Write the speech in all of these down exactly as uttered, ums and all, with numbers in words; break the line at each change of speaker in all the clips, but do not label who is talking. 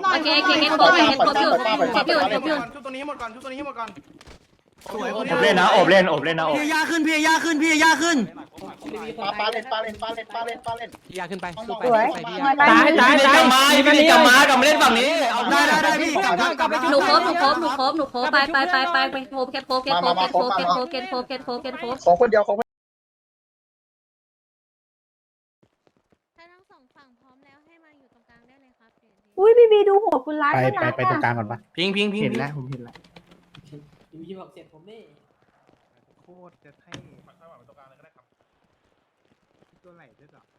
หน่อย
โอเคโอเคเก็ตโคบอยู่เก็ตโคบอยู่เก็ตอยู่เก็ตอยู่
ชุดตัวนี้หมดก่อนชุดตัวนี้หมดก่อน
อบเล่นนะอบเล่นอบเล่นนะอบ
พี่ยาขึ้นพี่ยาขึ้นพี่ยาขึ้น
ปาปาเล่นปาเล่นปาเล่นปาเล่นปาเล่น
พี่ยาขึ้นไป
สวย
ตายตายตายมาพี่กลับมากลับมาเล่นฝั่งนี้
ได้ได้ได้พี่กลับกลับกลับไป
หนูโคบหนูโคบหนูโคบหนูโคบไปไปไปไปไปโคบเก็ตโคบเก็ตโคบเก็ตโคบเก็ตโคบเก็ตโคบเก็ตโคบเก็ตโคบ
ของคนเดียวของ
ถ้าทั้งสองฝั่งพร้อมแล้วให้มาอยู่ตรงกลางได้เลยครับ
อุ้ยบีบีดูหัวคุณร้าย
ไป
ข้างห
ไป
ลัง
ไปตรงกลางก่อนปะ
พิงพิงพิง
เห็นแล้วผมเห็นแล้ว
พี่บอกเสร็จผมนี่
โคตรจะให้ตัวไหนด้วยหรอ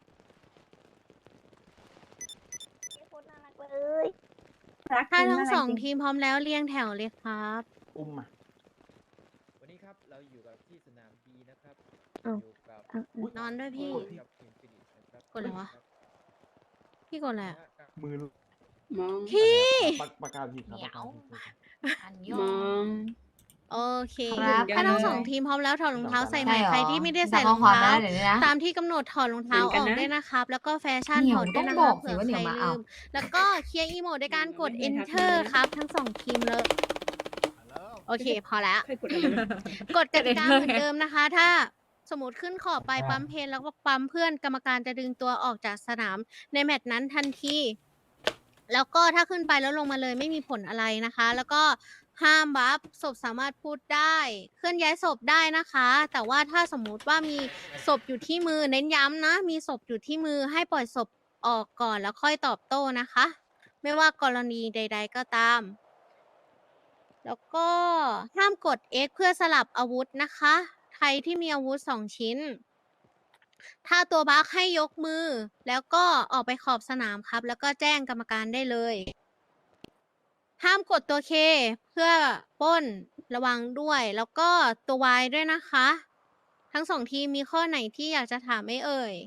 ถ้าทั้งสองทีมพร้อมแล้วเรียงแถวเลยครับ
อุ้มมา
วันนี้ครับเราอยู่กับที่สนามบีนะครับ
อ้าว
อยู่กับ
นอนด้วยพี่
กับทีมฟินิชนะครับ
กดอะไรวะ พี่กดอะไรอะ
มือ
พี่
ปากกาผิดครับ
มอง
โอเค
ครับ
ถ้าทั้งสองทีมพร้อมแล้วถอดรองเท้าใส่ใหม่ใครที่ไม่ได้ใส่รองเท้าตามที่กำหนดถอดรองเท้าออกด้วยนะครับ แล้วก็แฟชั่นถอดด้วยนะครับเผื่อใครลืมแล้วก็เคลียร์อีโมดด้วยการกด enter ครับ ทั้งสองทีมเลย โอเค พอแล้ว กฎกติกาเหมือนเดิมนะคะ ถ้าสมมติขึ้นขอบไปปั๊มเพนแล้วก็ปั๊มเพื่อนกรรมการจะดึงตัวออกจากสนามในแมตช์นั้นทันที แล้วก็ถ้าขึ้นไปแล้วลงมาเลยไม่มีผลอะไรนะคะ แล้วก็ห้ามบัฟศพสามารถพูดได้ เคลื่อนย้ายศพได้นะคะ แต่ว่าถ้าสมมุติว่ามีศพอยู่ที่มือเน้นย้ำนะ มีศพอยู่ที่มือให้ปล่อยศพออกก่อนแล้วค่อยตอบโต้นะคะ ไม่ว่ากรณีใด ๆ ก็ตาม แล้วก็ห้ามกด X เพื่อสลับอาวุธนะคะ ใครที่มีอาวุธสองชิ้น ถ้าตัวบั๊กให้ยกมือ แล้วก็ออกไปขอบสนามครับ แล้วก็แจ้งกรรมการได้เลย ห้ามกดตัว K เพื่อปล้นระวังด้วย แล้วก็ตัว Y ด้วยนะคะ ทั้งสองทีมมีข้อไหนที่อยากจะถามไหมเอ่ย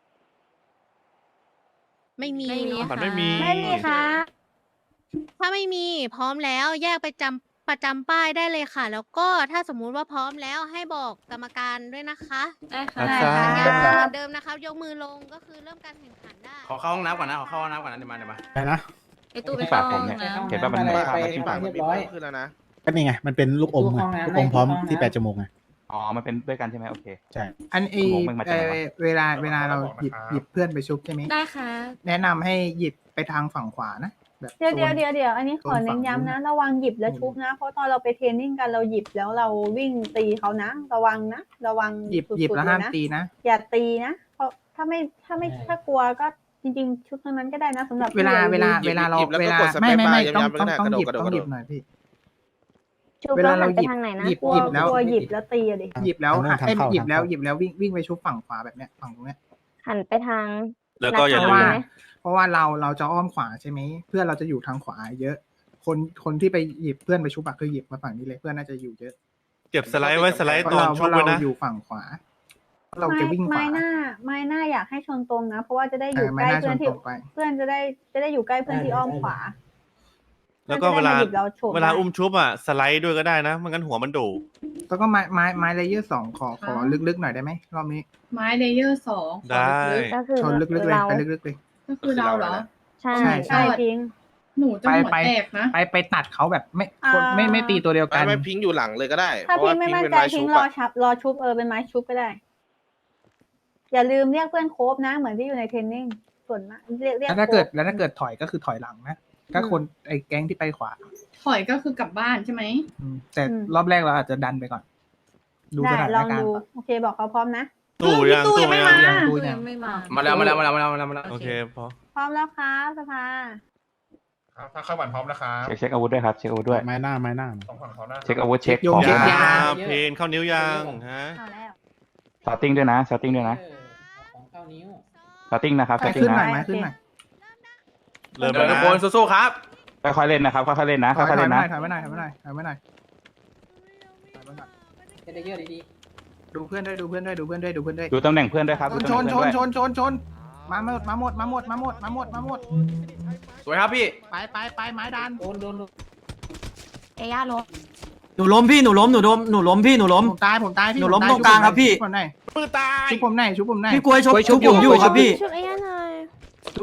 ไม่มี
ไม่มี
เนาะ
ค่ะ
ไม่มี
ไม่มีค่ะ
ถ้าไม่มีพร้อมแล้วแยกไปจำประจำป้ายได้เลยค่ะ แล้วก็ถ้าสมมุติว่าพร้อมแล้วให้บอกกรรมการด้วยนะคะ
ได้ค่ะ
ได้
สัญ
ค่ะ
ญาณเหมือนเดิมนะครับยกมือลงก็คือเริ่มการแข่งขันได้
ขอเข้าห้องน้ำก่อนนะขอเข้าห้องน้ำก่อนนะเดี๋ยวมาเดี๋ยวมา
ไปนะ
ไอตู้ไปเข้าห้องน้ำ
เห็นป่ะมัน
ไปที่ปากมันเรียบร้อยขึ้นแล้วนะ
ก็นี่ไง มันเป็นลูกอมไงลูกอมพร้อมที่แปดจมูกไง
อ๋อมันเป็นด้วยกันใช่ไหมโอเค
ใช่
อันเอ
ชั่วโมงแม่งมาจากไหนวะ
เวลาเวลาเราหยิบหยิบเพื่อนไปชุบใช่ไหม
ได้ค่ะ
แนะนำให้หยิบไปทางฝั่งขวานะแบบ
เดี๋ยวเดี๋ยว
โซน
เดี๋ยวเดี๋ยวอันนี้ขอเน้นย้ำนะ ระวังหยิบแล้วชุบนะ เพราะตอนเราไปเทรนนิ่งกันเราหยิบแล้วเราวิ่งตีเขานะ ระวังนะ ระวัง
หยิบ
สุดๆ
หยิบแล้วห้าม
เยนะ
ตีนะ
อย่าตีนะ เพราะถ้าไม่ถ้าไม่ถ้ากลัวก็จริงๆ ชุดนั้นก็ได้นะสำหรับ
เวลา
พี่
เวลา
หยิบ
เวลาเรา
หยิบแล้วก็
เวลาก
ดสเป
ไม่
ซ
ไม่
บาร์
ไม่
ย้ำ
ต้อง
ๆ
ต้อง
ไม่ได้
ต้องหยิบ
กระโดด
ต้องหยิบหน่อยพี่
ชุบ
เว
แล้
ลาว เรา
หันไป
หยิบ
ทางไหนนะ
หยิบ
กลัว
หยิบแล้ว
กลัวหยิบแล้วตีอะดิ
หยิบแล้ว
ทางนู้น
หันเอ้ย
ทางเข้า
หยิบแล้ว
ทางเข้า
หยิบแล้ววิ่งวิ่งไปชุบฝั่งขวาแบบเนี้ยฝั่งตรงเนี้ย
หันไปทาง
แล้วก็อย่า
เพ
ลื
ราะ
ม
ว่า
ใช่ไหม
เพราะว่าเราเราจะอ้อมขวาใช่ไหมเพื่อนเราจะอยู่ทางขวาเยอะ คนคนที่ไปหยิบเพื่อนไปชุบอะคือหยิบมาฝั่งนี้เลยเพื่อนน่าจะอยู่เยอะ
เก็บสไลด์ไว้สไลด์
เพ
ต
ราะ
อน
เราเพ
ชุบ
ราะ
ไว้
เรา
นะ
อยู่ฝั่งขวา เรา
ไม้
จะวิ่งข
ไม้
วา
หน้าไม้หน้าอยากให้ชนตรงนะ เพราะว่าจะได้อ
เอยู่ อ
ใก
ไม่
ล้
น่าช
เพื่อน
น
ที่
ตกไป
เพื่อนจะได้จะได้อยู่ใกล้เพื่อนที่อ้อมขวา
แล้วก็เวลา
พื่อนจะได้มหยิบเราโฉบ
เวลา
ได้
อุ้มชุบอ่ะสไลด์ด้วยก็ได้นะไม่งั้นหัวมันโด
แล้วก็ไม้ไม้ไม้เลเยอร์สองขอขอลึกๆหน่อยได้ไหมรอบนี้
ไม้เลเยอร์สอง
ได้
ก็คือ
ชนลึกๆเลย
เรา
ไปลึกๆเลย
ก็คือเราเหรอ ใช่
ใช่
ใช่จริง หนูจะ
ไป
หัว
ไป
แตกนะ
ไปไปตัดเขาแบบไม่
อ่า
คนไม่ไม่ตีตัวเดียวกั
ไม่
น
ไม่พิงอยู่หลังเลยก็ได้
ถ้า
เพราะ
พิ
ว่าง
ไม่
พิง
มั่น
เป็น
ใจ
ไม้
พิ
ชุ
ง
บ
รอ
อะ
ชับรอชุบเออเป็นไม้ชุบก็ได้ อย่าลืมเรียกเพื่อนโคบนะ เหมือนที่อยู่ในเทรนนิ่งส่วนมากเรียกเรียก
แล้วถ้าเกิด
โค้ช
แล้วถ้าเกิดถอยก็คือถอยหลังนะถ้าคนไอ้แก๊งที่ไปขวา
ถอยก็คือกลับบ้านใช่ไหม
อืมแต่รอบแรกเราอาจจะดันไปก่อน ดูส
ได้
ถาน
ลอง
การ
ดู
ณ์ก่อน
โอเคบอกเขาพร้อมนะ
ตู้ยังตู้ไม่
ยั
ยัง
ง
ตู้
ยั
ยัง งไม่มา
มาแล้วมาแล้วมาแล้วมาแล้วมาแล้วมาแล้ว
โอเคพอ
พร้อมแล้วครับสภา
ครับถ้าเข้าบันพร้อมนะครับ
เช็คเช็คอาวุธด้วยครับเช็คอาวุธด้วย
ไม้หน้าไม้หน้า
สองฝั่งเขาหน้า
เช็คอาวุธเช็ค
โย
ข
ง
อง
เช็ค
ยาย
า
เพนเข้านิ้วยางฮะ
เอาแล้ว
สตาร์ติ้งด้วยนะสตาร์ติ้งด้วยนะสตาร์ติ้งนะครับส
ไม้
ตาร์ติ้
ขึ้
ง
นหน่อย
นะ
ไม้ขึ้นหน่อย
เริ่ม
เดี๋ยว
แล้ว
ทุก
นะ
คนสู้ๆครับ
ค่อยๆเล่นนะครับค่อยๆเล่นนะ
ถอย
ค่อยๆ
ถอย
เล่น
ไม่ห
นะ
น่อยถอยไม่หน่อยถอยไม่หน่อยถอยไม่หน่อยถอยไม่หน่อยดูเพื่อนด้วยดูเพื่อนด้วยดูเพื่อนด้วยดูเพื่อนด้วย
ดูตำแหน่งเพื่อนด้วยครับ
ช
ดู
น
ตำ
ช
แหน่
น
ง
ช
เพื่อน น
ช
ด้วย
นชนชนมาหมดมาหมดมาหมดมาหมดมาหมดมาหมด
สวยครับพี่
ไปไปไปไม้ดัน
เอย่าลง
หนูล้มพี่หนูล้มหนูล้มหนูล้มพี่หนูล้ม
ผมตายผมตายพี่
หนูล้ม
ผตย
ตรงกลางครับพี่
ชุผมหน่อย
มือตาย
ชุบผมหน่อยชุบผมหน่อย
พี่กล้วยชกชุบผมอยู่ครับพี่
ชุบไอ้ยันหน่อย
ช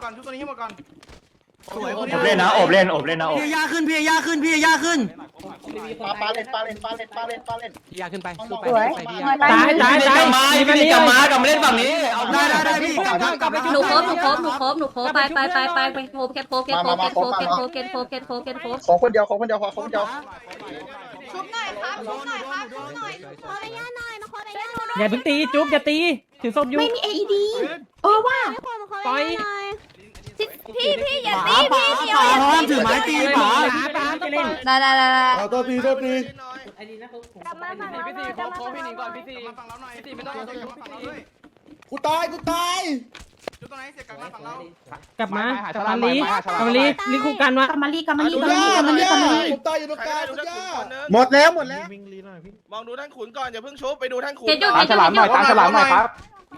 ก่อนชุบตัวนี้ให้หมดก่อนสวย
อบเล่นนะอบเล่นอบเล่นนะอบ
พี่ยาขึ้นพี่ยาขึ้นพี่ยาขึ้น
ปาปาเล่นปาเล่นปาเล่นปาเล่นปาเล่น
ยาขึ้นไป
สวย
ตายตายตายมาพี่นี่กลับมากลับมาเล่นฝั่งนี้เอา
ได้ได้ได้พี่กลับกลับกลับไป
หนูโคบหนูโคบหนูโคบหนูโคบไปไปไปไปไปโคบแคทโคบแคทโคบแคทโคบแคทโคบแคทโคบแคทโคบแคทโคบ
ขอคนเดียวขอคนเดียวขอคนเดียว
ชุบหน่อยครับชุบหน่อยครับชุบหน่อย
ขอไปย่าหน่อยมาขอไปย่าหน่อย
อย่าเพิ่งตีจุ๊บอย่าตีถือศพอยู่
ไม่มี เอ อี ดี เออว่า
ขอขอไปย่าหน่อย
พี่พี่อย่าตีพี่เดียวอย่า
ห้ามถือไม้ตีป๋า
ได้ได้ได้
เอาตัวตีตัวตี
ไอ้นี่นะเขา
กลับมาฝั่งเราหน่อยกลับมาฝั่งเราหน่อย
มาฝั่งเราหน่อยพี่ไม่ต้องเอาตัวอยู่มาฝั่งเราด้วย
กูตายกูตาย
ชุบตัวไหนเสียกลับมาฝั่งเรา
กลับมาก
ลั
ลั
บบ มา
มา
ลี
ลี
ก
ก
ลั
ลั
บบ มา
มา
ลี
ลีรีคู่กันวะ
กลับมาลีกลับมาลี
กู
กลับมาลี
ย่าก
ลับมาลีกลับมาลี
ผมตายอยู่ตรงกลางกูย่า
หมดแล้วหมดแล้ว
มองดูท่านขุนก่อนอย่าเพิ่งชุบไปดูท่านขุน
เจ็ดจุด
ตามฉลามหน่อยตามฉลามหน่อยครับ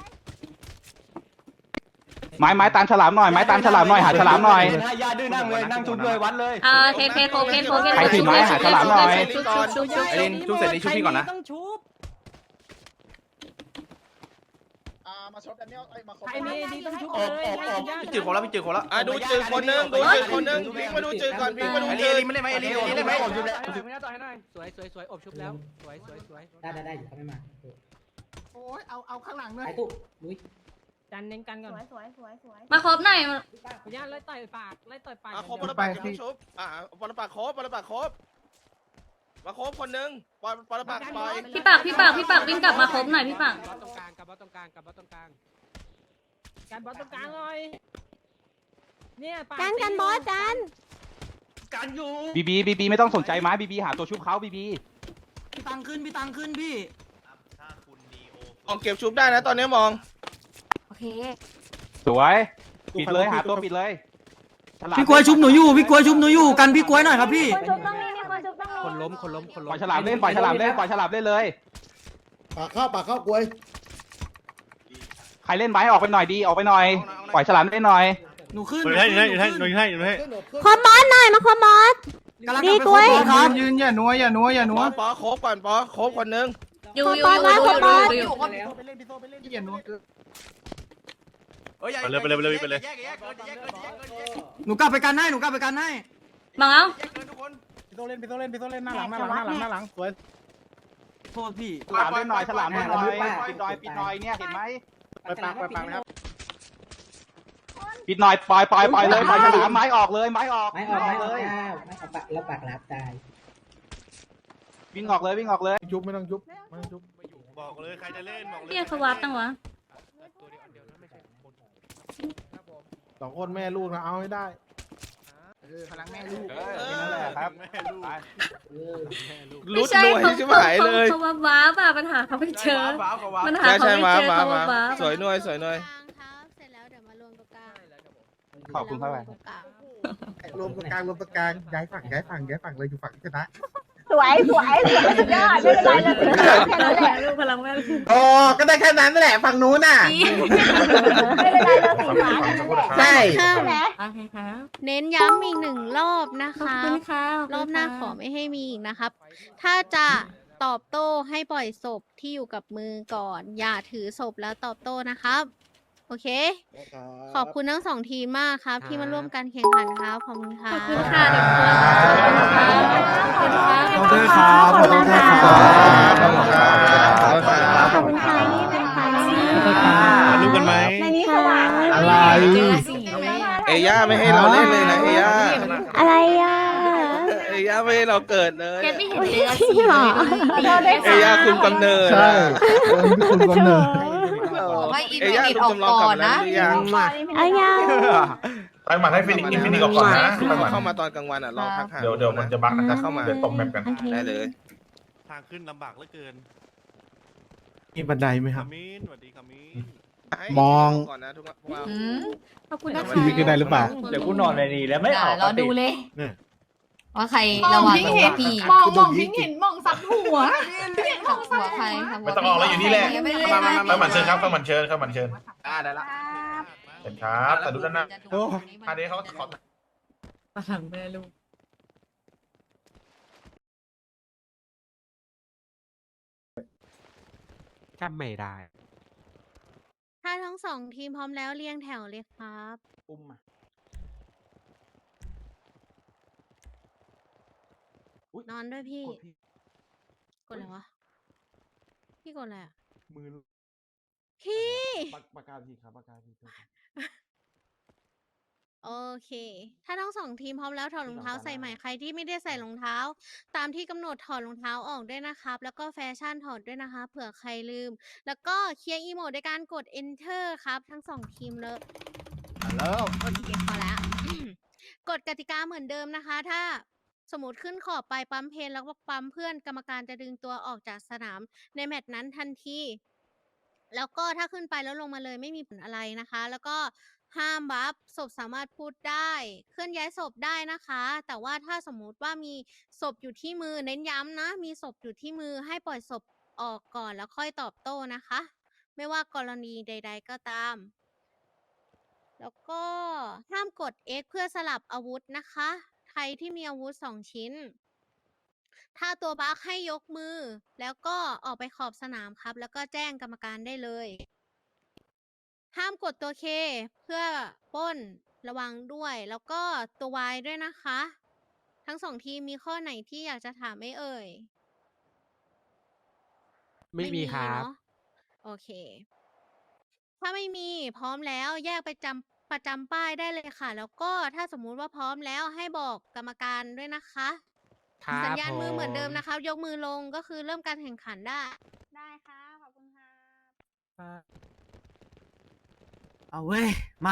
ไม้ไม้ตามฉลามหน่อยไม้ตามฉลามหน่อยหาฉลามหน่อย
ยาดื้อนั่งเลยนั่งชุบเลยวัดเลย
อ่าเทเทโคบแคทโคบแคท
ใครถือไม้หาฉลามหน่อย
ชุบชุบชุบชุบ
ไอ้ลินชุบเสร็จนี่ชุบพี่ก่อนนะ
ต้องชุบ
ม
มาชดกันเนี่ยไอ้มา
ใครมีดีต้องชุบ
อ
เล
อก
ย
ออกออก
ให้
จืดของเราพี่จืดของเราอ่ะดูจืดคนนึงดูจืดคนนึงพิงมาดูจืดก่อนพิงมาดูจืดไม่เล่นไหมเอลีเอลีเล่นไหม
ไม่ได้ต่อให้หน่อยสวยสวยสวยอบชุบแล้วสวยสวยสวย
ได้ได้ได้อยู่เขาไม่มา
โอ้ยเอาเอาข้างหลังด้วย
ไอ้ตุ๊ลุย
จันเน้นกันก่อน
สวยสวยสวยสวย
มาครบหน่อย
พยานไล่ต่อยปากไล่ต่อยปาก
อ่ะครบบอลปากอย่าเพิ่งชุบอ่ะบอลปากครบบอลปากครบมาครบคนนึงบอลบอลปากปล่อย
พี่ปากพี่ปากพี่ปากวิ่งกลับมาครบหน่อยพี่ปาก
บอสตรงกลางกับบอสตรงกลางกับบอสตรงกลางการบอสตรงกลางหน่อยเนี่ยปาก
กันกันบอสจัน
การอยู่
บีบีบีบีไม่ต้องสนใจไม้บีบีหาตัวชุบเขาบีบี
พี่ตังขึ้นพี่ตังขึ้นพี่
มองเก็บชุบได้นะตอนนี้มอง
โอเค
สวยปิดเลยหาตัวปิดเลยฉลาม
พี่กล้วยชุบหนูอยู่พี่กล้วยชุบหนูอยู่กันพี่กล้วยหน่อยครับพี่
คนชุบต้องมีมีคนชุบต้องมี
คนล้มคนล้มคน
ป
ล้
ล่อ
ม
ยฉลามเล่นปล่อยฉลามเล่นปล่อยฉลามเล่นเลย
ปากเข้าปากเข้ากล้วย
ใครเล่นไม้ออกไปหน่อยดีออกไปหน่อยปล่อยฉลามเล่นหน่อย
หนูขึ้น
อยู่ให้อยู่ให้อยู่ให้อยู่ให้อยู่ให้
คอมบอสหน่อยมาคอมบอส ดีกล้วย
ยืนยืนอย่านัวอย่านัวอย่านั
ป
ว
อปอครบก่อนปอครบคนนึง
อยู่อยู่อยู่อยู่อยู่อยู่
ไปเล่นพี่โซ่ไปเล่นอย่านัวเกิน
ไปเลยไปเลยไปเลยไปเลย
หนูกลับไปกันให้หนูกลับไปกันให้
บังเอา
พี่โซ่เล่นพี่โซ่เล่นพี่โซ่เล่นหน้าหลังหน้าหลังหน้าหลังหน้าหลังสวย
โทษพี่
ฉลามเล่นหน่อยฉลามเล่นหน่อยปิดหน่อยปิดหน่อยเนี่ยเห็นไหม
ไปปากไปปากนะครับ
ปิดหน่อยปล่อยปล่อยปล่อยเลยปล่อยฉลามไม้ออกเลยไม้ออก
ไม่ออกไม่อ
เล
อก
ย
ไม่ออกปากแล้วปากรับตาย
วิ่งออกเลยวิ่งออกเลย
ยุบไม่ต้องยุบไม่ต้องยุบ
บอกเลยใครจะเล่นบอกเลย
พี่เขาวัดตั้งวะ
สองคนแม่ลูกนะเอาให้ได้เออพลังแม่ลูก
เออนั่นแหละครับ
แม่ลูก
ไป
รุดรวยชิบหายเลย
เขาว่าว้าป่ะปัญหาเขาไม่เจอปัญหา
ใช่
เขา
ใช่
ไม่
มา
เจอ
มา
เขา
มา
ว่าว้า
สวยหน่วยสวยหน่วย
ครับเสร็จแล้วเดี๋ยวมารวมตรงกลาง
ขอบคุณครับ
รวมตรงกลาง
รวมตรงกลางรวมตรงกลางย้ายฝั่งย้ายฝั่งย้ายฝั่งเลยอยู่ฝั่งที่ชนะ
สวยสวยสวยสุดยอดไม่เป็นไรเราถึงแค่นั้นแหละ
ลูกพลังแม่
อ๋อก็ได้แค่นั้นแหละฝั่งนู้นน่ะ
ไม่เป็นไรเราสีฟ้าแค่นั้นแหละ
ใช่
ใช่ไหม
โอเคครับ
เน้นย้ำอีกหนึ่งรอบนะ
ขอบ
คะ
คุณค่ะ
รอบหน้าขอไม่ให้มีอีกนะครับ ถ้าจะตอบโต้ให้ปล่อยศพที่อยู่กับมือก่อน อย่าถือศพแล้วตอบโต้นะครับ โอเค ขอบคุณทั้งสองทีมมากครับ ที่มาร่วมกันแข่งขันครับ ขอบคุณค่ะ
ขอบคุณค่ะเด็กคนขอบคุณค่ะขอบคุณค่ะ
ขอบคุณครับขอบคุณครับ
ขอบคุณค่ะนี่เป็นใคร
ถ่ายรูปกันไหม
ในนี้สว่าง
อะไร
เอย่าไม่ให้เราเล่นเลยนะเอย่า
อะไรอ่ะ
เอย่าไม่ให้เราเกิดเลย
แกไม่เห็นเจอสี
หรอ
เอย่าคุมกำเนิด
ใช่คุณกำเนิด
เอย่าคุมจำลองกำเนิดหรือยัง
อายัง
ไปหมัดให้ฟินิกอินฟินิกออกก่อนนะไปหมัด
เข้ามาตอนกลางวันอ่ะลองทักหา
เดี๋ยวเดี๋ยวมันจะบั๊กนะครับ
เข้ามา
เดี๋ยวตกแมปกัน
ได้เลย
ทางขึ้นลำบากเหลือเกิน
มีบันไดไหมค
คา
รับ
มินสวัสดีคามิน
มอง
ก่อนนะทุกคนว่า
ขอบคุณนะคะ
ชีวิตขึ้นได้หรือเปล่า
เดี๋ยวกูนอนในนี้แล้วไม่ออก
รอดูเลย
เนี่ย
ว่าใครระวังตัวพี่
มองมองพิงเห็นมองสับหัว
ขับหัวใครขับหัว
ไม่ต้องออกแล้วอยู่นี่แหละ
ไม่เลย
มามามาเข้ามันเชิญครับเข้ามันเชิญเข้ามันเชิญ
อ่าได้ละ
เห็นครับแต่ดูด้านหน้า
โอ้
อันนี้เขาขอ
พลังแม่ลูก
จำไม่ได้
ถ้าทั้งสองทีมพร้อมแล้วเรียงแถวเลยครับ
ปุ่มมา
นอนด้วยพี่ กดอะไรวะ พี่กดอะไรอ่ะ
มือ
พี่
ปากกาทีครับปากกาที
โอเค ถ้าทั้งสองทีมพร้อมแล้วถอดรองเท้าใส่ใหม่ใครที่ไม่ได้ใส่รองเท้า ตามที่กำหนดถอดรองเท้าออกด้วยนะครับ แล้วก็แฟชั่นถอดด้วยนะคะ เผื่อใครลืม แล้วก็เคลียร์อีโมดด้วยการกด enter ครับ ทั้งสองทีมเลย
แล้ว
โอเคพอแล้ว กฎกติกาเหมือนเดิมนะคะ ถ้าสมมติขึ้นขอบไปปั๊มเพนแล้วก็ปั๊มเพื่อนกรรมการจะดึงตัวออกจากสนามในแมตช์นั้นทันที แล้วก็ถ้าขึ้นไปแล้วลงมาเลยไม่มีผลอะไรนะคะ แล้วก็ห้ามบัฟศพสามารถพูดได้ เคลื่อนย้ายศพได้นะคะ แต่ว่าถ้าสมมุติว่ามีศพอยู่ที่มือเน้นย้ำนะ มีศพอยู่ที่มือให้ปล่อยศพออกก่อนแล้วค่อยตอบโต้นะคะ ไม่ว่ากรณีใด ๆ ก็ตาม แล้วก็ห้ามกด X เพื่อสลับอาวุธนะคะ ใครที่มีอาวุธสองชิ้น ถ้าตัวบั๊กให้ยกมือ แล้วก็ออกไปขอบสนามครับ แล้วก็แจ้งกรรมการได้เลยห้ามกดตัวเคเพื่อปล้นระวังด้วย แล้วก็ตัววายด้วยนะคะ ทั้งสองทีมมีข้อไหนที่อยากจะถามไหม่เอ่ย
ไม่มีครับ
เนอะโอเค ถ้าไม่มีพร้อมแล้วแยกไปจำประจำป้ายได้เลยค่ะ แล้วก็ถ้าสมมุติว่าพร้อมแล้วให้บอกกรรมการด้วยนะคะ
ครับ
สัญญาณมือ
ผ
เหมือนเดิมนะคะ ยกมือลงก็คือเริ่มการแข่งขันได้
ได้ค่ะขอบคุณค่ะ
เอาเว้ย มา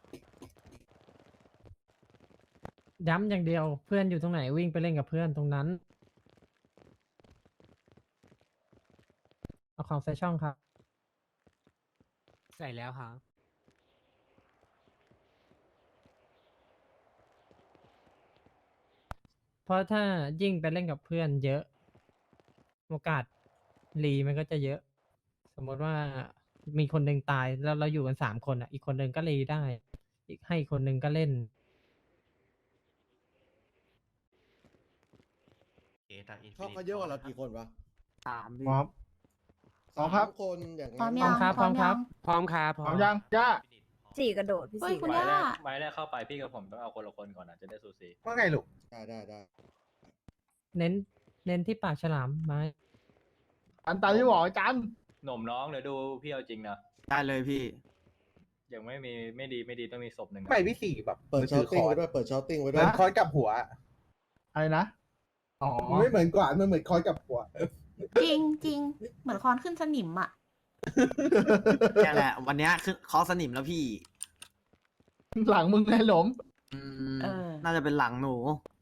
ย้ำอย่างเดียวเพื่อนอยู่ตรงไหนวิ่งไปเล่นกับเพื่อนตรงนั้น เอาของใส่ช่องครับ ใส่แล้วครับ เพราะถ้ายิ่งไปเล่นกับเพื่อนเยอะ โอกาสรีมันก็จะเยอะ สมมติว่ามีคนหนึ่งตายแล้วเราอยู่กันสามคนอ่ะ อีกคนหนึ่งก็รีได้ อีกให้อีกคนหนึ่งก็เล่น
ชอบเขาเยอะกว่าเรากี่คนวะ
สาม
พร้อมสองครับ
คนอย่าง
พร้อม
นั้น
พร้อม
ยัง
ครับ พร้อมครับ พร้อมครับ
พร้อมยังย่า
สี่กระโดดพี่สี่คุณย่า
ไม้แรกเข้าไปพี่กับผมต้องเอาคนละคนก่อนนะจะได้สูสี
ว่าไงลูก
ได้ได้ได้
เน้น เน้นที่ปากฉลามไม้
อันตามที่บอกอาจารย์
หนุ่มน้องเดี๋ยวดูพี่เอาจริงนะ
ได้เลยพี่
ยังไม่มีไม่ดีไม่ดีต้องมีศพหนึ่ง
ไม่พี่สี่แบบ
เปิดช้อตติ้งไว้ด้วยเปิดช้อตติ้งไว้ด้วย
คอยกับหัว อะไรนะ อ๋อ
ไม่เหมือนกว่ามันเหมือนคอยกับหัว
จริงจริงเหมือนคอนขึ้นสนิมอ่ะ
นี่แหละ วันเนี้ยคือคอสนิมแล้วพี่
หลังมึงไงหลม
อืม
เออ
น่าจะเป็นหลังหนู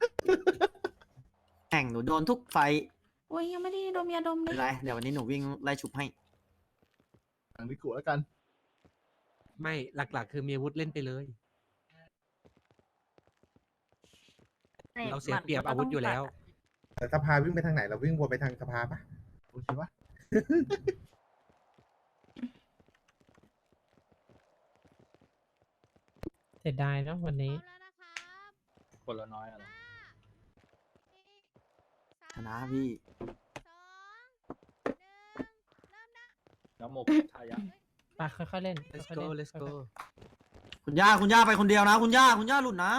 แข่งหนูโดนทุกไฟท์
โอ้ยยังไม่ได้ดมยาดมเล
ไม่
ย
เป็นไร เดี๋ยววันนี้หนูวิ่งไล่ฉุบให้
หลังดิกูแล้วกัน
ไม่หลักๆ คือมีอาวุธเล่นไปเลย เราเสียเปรียบอาวุธอยู่แล้ว
แต่สภาวิ่งไปทางไหนเราวิ่งวนไปทางสภาปะโอเคปะ
เสียดายนะวันนี้
คนละน้อยอะไร
ชนะพี่
น้ำโมกทายะ
ไปค่อยๆเล่น let's go let's go
คุณย่า คุณย่าไปคนเดียวนะ คุณย่า คุณย่าหลุดนะ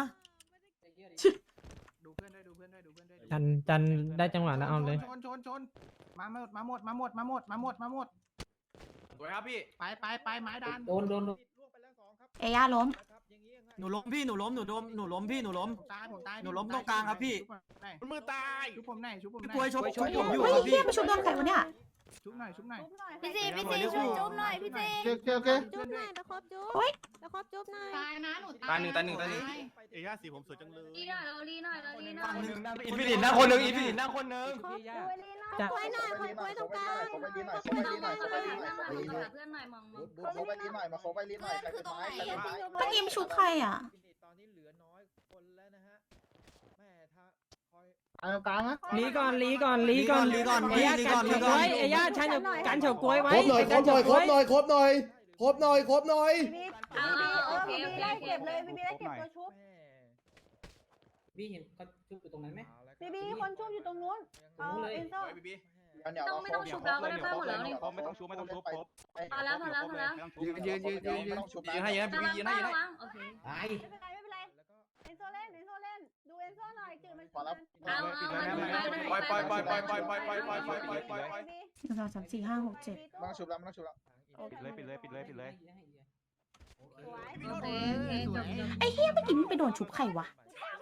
ดูเพื่อนด้วยดูเพื่อนด้วยดูเพื่อนด้วย
จันจันได้จังหวะแล้วเอาเลย
ชนชนชนมาหมดมาหมดมาหมดมาหมดมาหมดมาหมด
สวยครับพี่
ไปไปไปไม้ดัน
โดนโดนโดน
เอย่าล้ม
หนูล้มพี่ หนูล้ม หนูล้ม หนูล้มพี่ หนูล้ม
ตายผมตาย
หนูล้มตรงกลางครับพี่
มันมือตายชุบผมหน่อยชุบผมห
พี่
น่
กล้วย
อย
ชกชกผมอยู่
เฮ้ย
ครับ
เฮี
พี่
ยมาชุบโดนไข่วะเนี่ย
ชุบหน่อยชุบหน่อย
พี่ซีพี่ซีช่วยจุ๊บหน่อยพี่ซี
โอเคโอเค
จุ๊บหน่อยตะครบจุ๊บ
เฮ้ย
ตะครบจุ๊บหน่อย
ตายนะหนู
ตายหนึ่งตายหนึ่งตายหนึ่ง
เอย่าสีผมสวยจังเลย
ลีหน่อยเราลีหน่อยเราลีหน่อย
อินฟินิตนั่งคนหนึ่งอินฟินิตนั่งคนหนึ่ง
จะ
กล้วยหน่อยกล้วยตรงกลาง
เพื่อนหน่อยเพื่อนหน่อยเพื่อนหน่อยเพื่อนหน่อยมองมอง
โคไปลิ้นหน่อยมาโคไปลิ้นหน่อยใครเป็นไม้ใครเป็นไม้
เมื่อกี้มาชุบใครอ่ะ
ตอนนี้เหลือน้อยคนแล้วนะฮะแม่ถ้าคอย
เอากลางนะ
ลีก่อนลีก่อนลีก่อน
ลีก่อนลี
เอ้ย
ลีก่อนลี
กัน
ก่อน
เฉาก๊วยเอ้ยชันกันเฉาก๊วยไว้
ครบหน่อยครบหน่อยครบหน่อยครบหน่อยครบหน่อยครบหน่อย
พี่
เอา
พี่
โอ
เออ
เค
พี่
โอเค
ไล่
โอเค
เก็บเลยพี่พี่ไล่เก็บตัวชุบ
พี่เห็นเขาชุบอยู่ตรงนั้นไหม
พี่พี่คนชุบอยู่ตรงนู้นเอาเอ็นโซ
ต้องไม่ต้องชุบแล้วก็ได้ป้าหมดแล้วนี่
ไม่ต้องชุบไม่ต้องชุบครบ
พอแล้วพอแล้วพอแล้ว
ยืนยืนยืนยืนยืน
ยืนให้ยืนให้
ระวัง
ยืนให้
ป้า
ยืนให้
ระวังโอเค
ตาย
ไม่เป็นไรไม่เป็นไรเอ็นโซเล่นเอ็นโซเล่นดูเอ็นโซหน่อยจืดมัน
เอาเอามาดูไป
ปล่อยปล่อยปล่อยปล่อยปล่อยปล่อยปล่อยปล่อยปล่อยปล่อยปล่อยปล่อย
หนึ่งสองสามสี่ห้าหกเจ็ด
ไม่ต้องชุบแล้วไม่ต้องชุบแล้ว
ปิดเลยปิดเลยปิดเลยปิดเลย
โอเคโอเคจบจบ
ไอ้เฮียเมื่อกี้มันไปโดนชุบใครวะ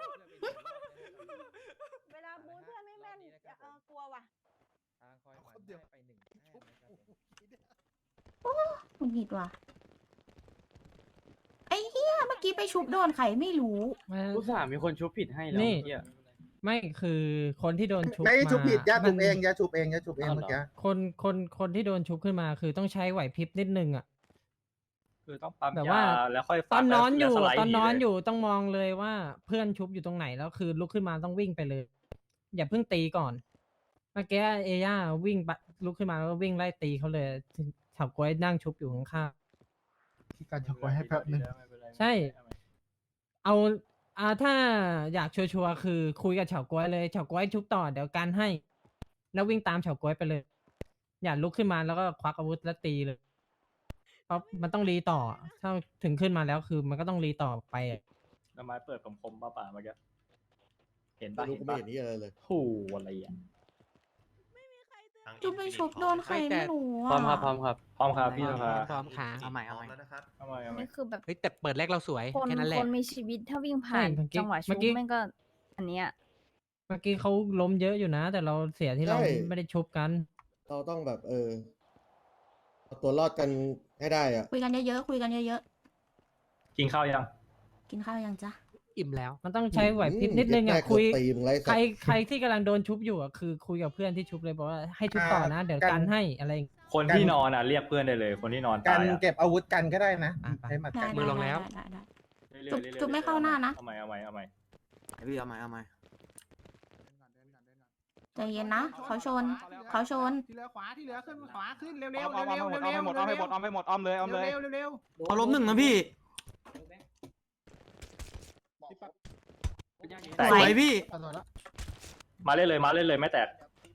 เวลาบูทเพื่อนไม่แม่นเออกลัวว่ะ
ทางคอยหมันให้ไปหนึ่งแต้มนะครับผม
หงุดหงิดว่ะ ไอ้เฮียเมื่อกี้ไปชุบโดนใครไม่รู้
อุตส่าห์มีคนชุบผิดให้แล้วนี่ไม่คือคนที่โดนชุบ
ไม่ได้ชุบผิดย่าชุบ
มัน
เองย่าชุบเองย่าชุบเองเมื่อกี้
คนคนคนที่โดนชุบขึ้นมาคือต้องใช้ไหวพริบนิดนึงอ่ะ
คือต้องปั๊ม
แบบ
ยา
ว่า
แล้วค่อย
ตอนนอนอยู่
แล้วสไลด์
ตอนนอน
หเลย
อยู่ต้องมองเลยว่าเพื่อนชุบอยู่ตรงไหนแล้วคือลุกขึ้นมาต้องวิ่งไปเลย อย่าเพิ่งตีก่อนเมื่อกี้เอย่าวิ่งไปลุกขึ้นมาแล้วก็วิ่งไล่ตีเขาเลยเฉาก๊วยนั่งชุบอยู่ข้าง
ที่การช็อกไว้ให้แป๊บนึง
ๆใช่ เอาอ่าถ้าอยากชัวร์ๆคือคุยกับเฉาก๊วยเลยเฉาก๊วยชุบต่อเดี๋ยวการให้ แล้ววิ่งตามเฉาก๊วยไปเลย อย่าลุกขึ้นมาแล้วก็ควักอาวุธแล้วตีเลยเพราะมันต้องรีต่อ ถ้าถึงขึ้นมาแล้วคือมันก็ต้องรีต่อไปอะ
น้ำไม้เปิดผมคมป่าป่าเมื่อกี้เห็น
ไม่
ปะ
รู้
เห็น
กูไม่
ปะ
เห็นนี่อะไรเลย
โอ้อะไรอ่ะ
จุ๊บไปชุบโดนใครไม่รู้
พร้อ
อ่ะ
มครับพร้อมครับพร้อมครับพี่สภา
พร้อมค่ะเอาใหม่เอาใหม่
เอาใหม่เอาใหม่
นี่คือแบบ
เฮ้ยแต่เปิดแรกเราสวย
คน
แค่นั้นแหละ
คนมีชีวิตถ้าวิ่งผ่าน
ใช่เมื่อกี้
จังหวะ
เมื่
ชุ
อบ กี้
แม่งก็อันเนี้ย
เมื่อกี้เขาล้มเยอะอยู่นะ แต่เราเสียที่เรา
ใช่
ไม่ได้ชุบกัน
เราต้องแบบเออเอาตัวรอดกันให้ได้อ่ะ
คุยกันเยอะๆคุยกันเยอะ
กินข้าวยัง
ๆกินข้าวยังจ๊ะ
อิ่มแล้ว มันต้องใช้ไหวพริบนิดนึงอ่ะ
เย็ดแม่
คุย
กดตีมึงไร้สัตว์
ใครใครที่กำลังโดนชุบอยู่อ่ะคือคุยกับเพื่อนที่ชุบเลยบอกว่าให้ชุบต่อนะ เดี๋ยวกันให้อะไรอย่างเงี้ย
คนที่นอนอ่ะเรียกเพื่อนได้เลย คนที่นอนตายอ่ะ
เก็บอาวุธกันก็ได้นะ
อ่ะไป
ใช้หมัด
ได้
กัน
ได้ได้ได้ได้
เรื่อยๆเรื่อยๆ
จุ๊บไม่เข้าหน้านะ
เอาใหม่เอาใหม่เอาใหม่
พี่เอาใหม่เอาใหม่
ใจเย็นนะเขาชนเขาชน
ที่เหลือขวาที่เหลือขึ้นขวาขึ้นเร็วๆ
เร็
เร็
ว
ว
เร็
เร็
ว
ว
เร็ว
เร็ว
เร็วเอาให้หมดเอาให้หมดเอาให้หมดอ้อมเลยอ้อมเลย
เร็วเร็ว
เขาล้มหนึ่งนะพี่
สวย
สวยพี่
มาเล่นเลยมาเล่นเลยไม่แตก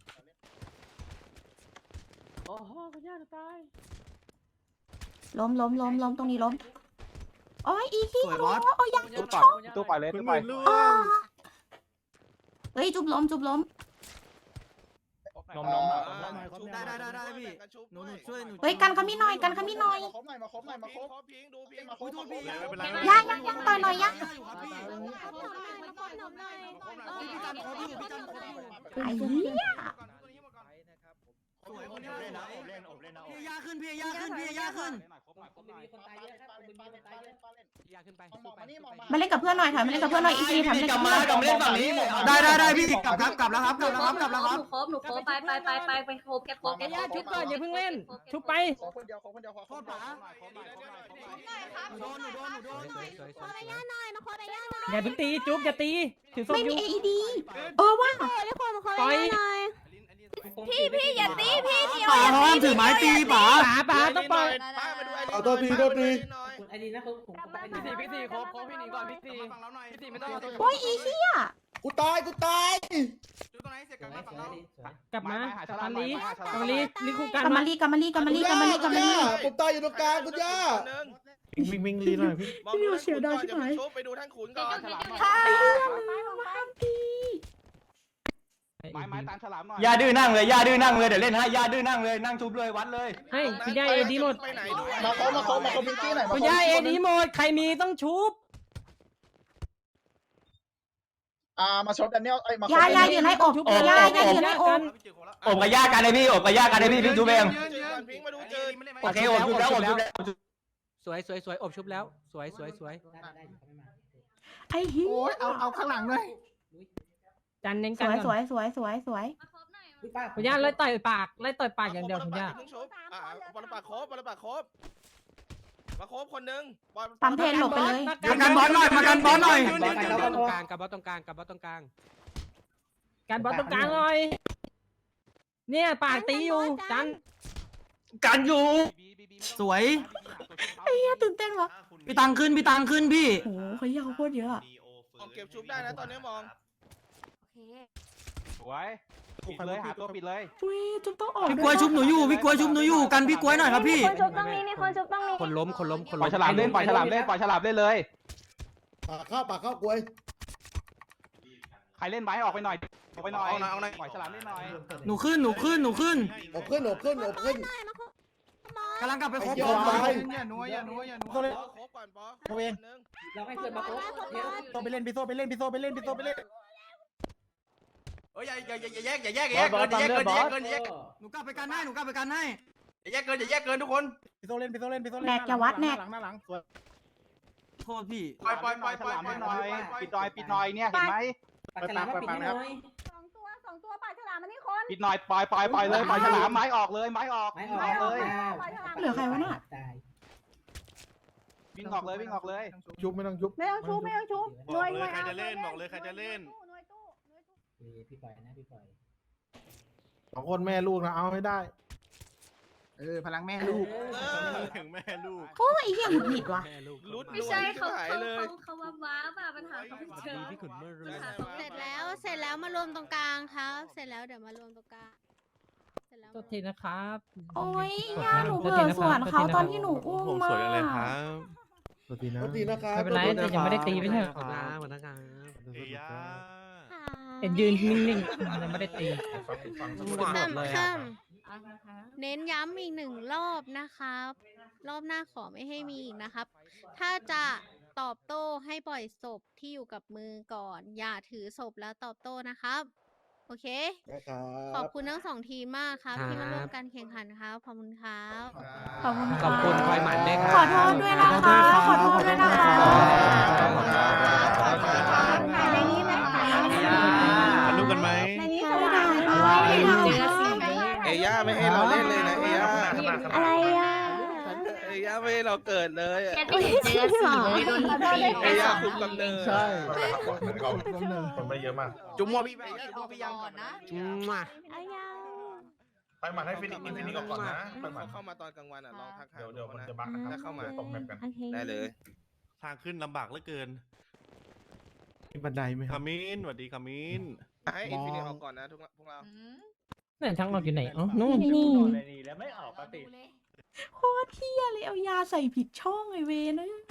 ล้มล้มล้มล้มตรงนี้ล้มโอ้ยอีขี้
สวยบอส
โอ้ยยัง
ตู้
ช
ปล่อย
ก
ตู้ปล่อยเลยตู้ปล่อย
อ๋อเฮ้ยจุบล้มจุบล้ม
นมนม
ได้ได้ได้ได้พี่หนูหนูช่วยหนู
เฮ้ยกันขมิ้นหน่อยกันขมิ้นหน่อย
มาครบหน่อยมาครบหน่อยมาครบ
พิงดูพิง
มาครบพี่
ไม่เป็นไร
ย่างย่างย่างต่อยหน่อยย่าง
อยู่ครับพี่ พี่จันครบอยู่พี่จันครบอยู่
ไอ้เหี้ย
สวยคนนี้
อบ
ส
เล่นนะ
วย
อบเล่นอบเล่นนะ
พี่ยาขึ้นพี่ยาขึ้นพี่ยาขึ้น
มาเล่นกับเพื่อนหน่อยถอยมาเล่นกับเพื่อนหน่อยอีซีถอยมาเล่นกับเพื่อน
กลับมาเล่นฝั่งนี้ได้ได้ได้พี่กลับครับกลับแล้วครับกลับแล้วครับกลับแล้วครับ
หนูโคบหนูโคบไปไปไปไปไปโคบแกโคบแก
อย่าชุบก่อนอย่าเพิ่งเล่น ชุบไป
ขอคนเดียวขอคนเดียวขอ
โท
คน
ษ
เดียว
ป๋าหนูโดนหนูโดนหนูโดน
ขอระยะหน่อยมาขอระยะหน่อย
อย่าเพิ่งตีจุ๊บอย่าตีถือศพ
ไม่
อ
มี
ยู่
เอดีเออว่ะ
ปล่อย
พี่พี่อย่าตีพี่พี่
ป๋าพร้อมถือไม้ตีป๋า
ป๋าป๋าต้องปล่อย
ป้ามาดูไอ
เอาตัวทีตัวที
ไอ้ดีนะผมผมไป
พี่สี่พี่สี่ครบครบพี่หนีก่อนพี่สี่พี่สี่ไม่ต้องเอาตัว
โอ้ยอีเหี้ย
กูตายกูตาย
กลับมากลับมาลีกลับมาลีลีคู่
ก
กัน
ลับ
มา
มาลีกลับมาลีกลับมาลีกลับมาลีกลับมาลี
ผมตายอยู่ตรงกลางคุณย่า
วิ่งวิ่งลีหน่อยพี่
มองดูเสียดายใช่ไหมไปดูท่านขุนก่อน
ค่ะ
ไม้ไม้ตามฉลามหน่อย
ย่าดื้อนั่งเลยย่าดื้อนั่งเลยเดี๋ยวเล่นให้ย่าดื้อนั่งเลยนั่งชุบเลยวัดเลย
ให้คุณย่าเอดีหมด
ไปไหนดู
มาครบมาครบมาครบพิงกี้หน่อยมา
คุณ
ครบ
ย่าเอดีหมดใครมีต้องชุบ
อ่ามาชดแดเนียลไอ้มา
ยายาอยู่ในอกยายาอยู่ในอก
อบกับย่ากันเลยพี่อบกับย่ากันเลยพี่พี่ชุบเอง
พิงมาดูเจอ
โอเคอบชุบแล้วอบชุบแล้ว
สวยสวยสวยอบชุบแล้ว สวยสวยสวย
ไอ้เหี้
โอ้ย
ย
เอาเอาข้างหลังเลย
จันเน้น
ส
กัน
วย
ก่
ส
อน
วยสวยสวยสวย
คุณย่าไล่ต่อยปากไล่ต่อยปากอย่างเดียวคุณย่า
อ่าปลาปากโคบปลาปากโคบมาโคบคนหนึ่ง
ปั๊มเพนหลบไปเลย
มากันบอลหน่อยมากันบอลหน่อย
ตรงกลางกับบอสตรงกลางกับบอสตรงกลางการบอสตรงกลางเลยเนี่ยปากตีอยู่จัน
กันอยู่
สวย
ไอ้เหี้ยตื่นเต้นวะ
พี่ตังขึ้นพี่ตังขึ้นพี่
โอ้โหเขาเยอะโคตรเยอะอะ
มองเก็บชุบได้นะตอนนี้มอง
โอเค
สวยปิดเลยหาตัวปิดเลย
อุ้ยจุ๊บต้องออก
พี่กล้วยชุบหนูอยู่พี่กล้วยชุบหนูอยู่กันพี่กล้วยหน่อยครับพี่
คนชุบต้องมีมีคนชุบต้องมี
คนล้มคนล้มคน
ปล่
ล้
อย
ม
ฉลามเล่นปล่อยฉลามเล่นปล่อยฉลามเล่นเลย
ปากเข้าปากเข้ากลวย
ใครเล่นไม้ออกไปหน่อยออกไปหน่อยปล่อยฉลามเล่นหน่อย
หนูขึ้นหนูขึ้นหนูขึ้น
อบขึ้นอบขึ้นอบขึ้น
กำลังกลับไปครบ
ไอ้
ครบ
เหี้ย
อย่านัวอย่านัวอย่านัว
โคบก่อนปอ
เราให้เพื่อนมาโค้ชเดี๋ยว
โซไปเล่นพี่โซไปเล่นพี่โซไปเล่นพี่โซไปเล่น
เฮ้ยอย่าอย่าอย่าแยกอย่าแยกอย่าแยกเกินอย่าแยกเกินอย่าแยกเกินอย่าแยก
หนูกลับไปกันให้หนูกลับไปกันให้
อย่าแยกเกินอย่าแยกเกินทุกคน
พี่โซเล่นพี่โซเล่นพี่โซเล่น
แนกอย่าวัดแนก
หลังหน้าหลังสวย
โทษพี่
ปล่อยปล่อยปล่อยฉลามให้หน่อยปิดหน่อยปิดหน่อยเนี่ยเห็นไหม
ปากฉลามมาปิดให้หน่อย
สองตัวสองตัวปากฉลามมันนี่คน
ปิดหน่อยปล่อยปล่อยปล่อยเลยปล่อยฉลามไม้ออกเลยไม้ออก
ไม่ออก
ไม้ออกเลย
เหลือใครวะน่ะ
ตาย
วิ่งออกเลยวิ่งออกเลย
ยุบไม่ต้องยุบ
ไม่ต้องชุบไม่ต้องชุบ
บอกเลยใครจะเล่นบอกเลยใครจะเล่น
พี่ปล่อยนะพี่ปล่อย
สองคนแม่ลูกนะเอาให้ได้
เออพลังแม่ลูก
ถึงแม่ลูก
โอ้ยไอ้เหี้ยหงุดหงิดว่ะ
รุด
ไม่ใช่เขา
หาย
เขา
เลย
เขาเขาว่าว้าป่ะปัญหาเขาไม่เจอ
พี่ขุนเมื่อรู้
เสร็จแล้วเสร็จแล้วมารวมตรงกลางครับ เสร็จแล้วเดี๋ยวมารวมตรงกลางร็จแล้ว
โทษทีนะครับ
โอ้ย
กด
ย่า
มา
หนู
โท
เผ
ษ
ล
ที
อ
นะ
ส
ครับ
วน
โทษ
เขา
ทีนะ
ต
ค
อ
รั
น
บ
ที่หนูอุ้ม
ผม
มา
สวยจังเลยครับ
สวัสดีนะ
โทษทีนะครับ
ไม่เป็นไร
ขอโทษ
แต่ยังไม่ได้ตีไม่ใช่เหรอ
เอ้ยา
เห็นยืนนิ่งๆยังไม่ได้ตี
ฟังฟังสัก
ข้ามข้ามเน้นย้ำอีกหนึ่งรอบนะครับ รอบหน้าขอไม่ให้มีอีกนะครับ ถ้าจะตอบโต้ให้ปล่อยศพที่อยู่กับมือก่อน อย่าถือศพแล้วตอบโต้นะครับ โอเค
ได้ครั
ขอบบ คุณทั้งสองทีมมากครับ ที่มาร่วมกันแข่งขันครับ ขอบคุณครับ
ขอบคุณ
ขอบคุณคอยหมันด้วยครับ
ขอโทษด้วยนะคะ ขอโทษด้วยนะคะ
ถ่ายในนี้ไหมถ่ายในนี้ไหม
ถ่ายรูปกันไหม
ในนี้สวย
เจอสิ
เอย่าไม่ให้เราเล่นเลยนะเอย่า
อะไรอ่ะ
เอย่าไม่ให้เราเกิดเลยอะ
แค่ไม่เห็นเจอสีเลยโดนตี
เอย่าคุมกำเนิด
ใช่
คนไม่เยอะมาก
จุ๊บมัวพี่ไปจุ๊บมัวพี่ยัง
นะ
มา
อายา
ไปหมัดให้ฟินิกซ์อินฟินิกซ์ออกก่อนนะไปหมัด
เข้ามาตอนกลางวันอ่ะลองทักทาย
เดี๋ยวเดี๋ยวมัน
นะ
จะบักนะครับ
ถ้าเข้ามา
ตบแมปกัน
โอเค
ได้เลย
ทางขึ้นลำบากเหลือเกิน
มีบันไดไหมครั
คา
บ
มินสวัสดีคามิน
ให้อินฟินิตออกก่อนนะทุกพวกเรา
นั่นทางออกอยู่ไหนอ๋อนู่น
นี่
แล้วไม่ออกปกติ
โคตรเที่ยเลยเอายาใส่ผิดช่องไอเวนเอ้ย